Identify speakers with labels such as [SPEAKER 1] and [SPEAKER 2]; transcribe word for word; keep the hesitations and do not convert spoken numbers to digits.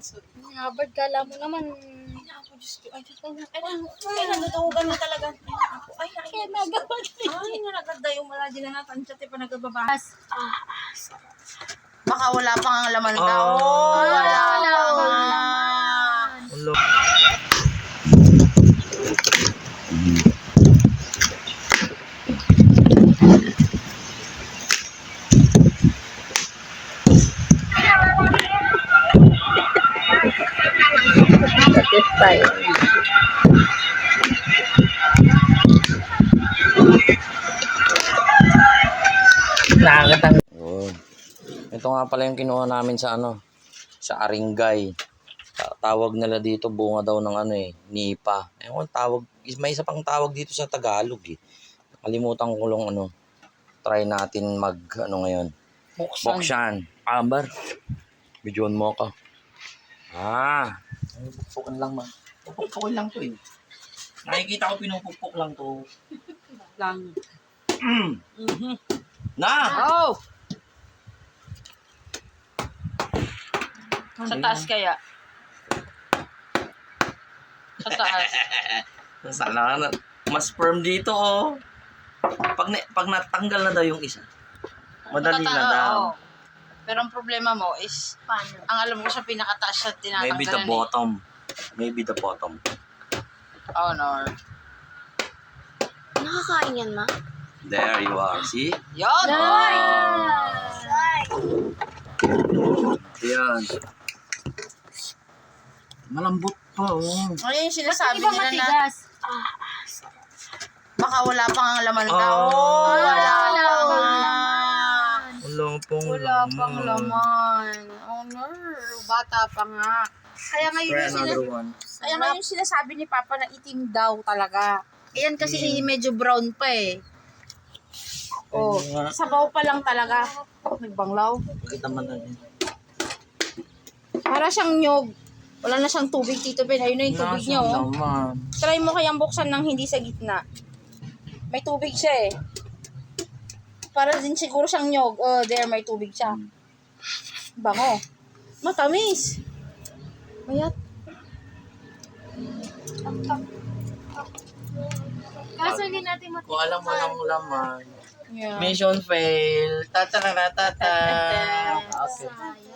[SPEAKER 1] Ngabad, kala mo naman.
[SPEAKER 2] Ako, Diyos ko. Ay, Diyos ko. Ay, ay, nandutugan na talaga. Ay, ay,
[SPEAKER 1] Kaya nagabad.
[SPEAKER 2] ay, nalaganda yung wala din na natin. Siya, tipa nagababas. Ah, baka wala pang ang laman ka.
[SPEAKER 3] Ah.
[SPEAKER 2] Oh, wala
[SPEAKER 1] Wala
[SPEAKER 2] pang.
[SPEAKER 1] pang.
[SPEAKER 3] Hello.
[SPEAKER 1] This time.
[SPEAKER 3] Nakakatang. Oh. Ito nga pala yung kinuha namin sa ano, sa Aringay. Ta- Tawag nila dito bunga daw ng ano eh, nipa. Ewan tawag, is- may isa pang tawag dito sa Tagalog eh. Kalimutan ko lang ano. Try natin mag ano ngayon.
[SPEAKER 1] Buksan.
[SPEAKER 3] Boksyan. Amber. Bidyon mo ka. Ah. Ay, pupukpukan lang man. Pupukpukan lang to eh. Nakikita ko pinupukpuk lang to.
[SPEAKER 1] Lang.
[SPEAKER 3] Mm.
[SPEAKER 1] Mhm.
[SPEAKER 3] Na!
[SPEAKER 1] Oh! Sa taas kaya? Sa taas.
[SPEAKER 3] Sana na, mas firm dito oh. Pag, na, pag natanggal na daw yung isa, madali na
[SPEAKER 1] Nakata-
[SPEAKER 3] daw.
[SPEAKER 1] oo. Pero ang problema mo is,
[SPEAKER 2] Paano?
[SPEAKER 1] ang alam ko sa pinakataas siya tinatanggalan.
[SPEAKER 3] Maybe the
[SPEAKER 1] eh.
[SPEAKER 3] bottom. Maybe the bottom.
[SPEAKER 1] Oh no.
[SPEAKER 2] Nakakain yan, ma?
[SPEAKER 3] There you are. See?
[SPEAKER 1] Yon!
[SPEAKER 3] Ayan. Malambot pa oh.
[SPEAKER 1] Ano yung sinasabi nila na baka wala pang ang laman ka.
[SPEAKER 3] Oh.
[SPEAKER 1] Oh, wala pang.
[SPEAKER 3] Wala pang
[SPEAKER 1] Wala pang laman. Oh no, bata pa nga. Kaya ngayon
[SPEAKER 3] Try
[SPEAKER 1] yung, sina-
[SPEAKER 3] another one.
[SPEAKER 1] kaya ngayon yung sinasabi ni Papa na itim daw talaga. Ayan kasi medyo brown pa eh. Oh,
[SPEAKER 3] Ayun nga.
[SPEAKER 1] sabaw pa lang talaga. Nagbanglaw.
[SPEAKER 3] Kita man natin.
[SPEAKER 1] Para siyang nyog. Wala na siyang tubig, Tito Ben. Ayun na yung tubig niya, oh.
[SPEAKER 3] Naman.
[SPEAKER 1] Try mo kayang buksan ng hindi sa gitna. May tubig siya, eh. Para din siguro siyang nyog. Oh, there, may tubig siya. Bango. Matamis. Mayat.
[SPEAKER 2] Kaso hindi natin mat-
[SPEAKER 3] Kung alam mo ng laman.
[SPEAKER 1] Yeah.
[SPEAKER 3] Mission fail. Tata-tata-tata. Okay.
[SPEAKER 2] Sayang.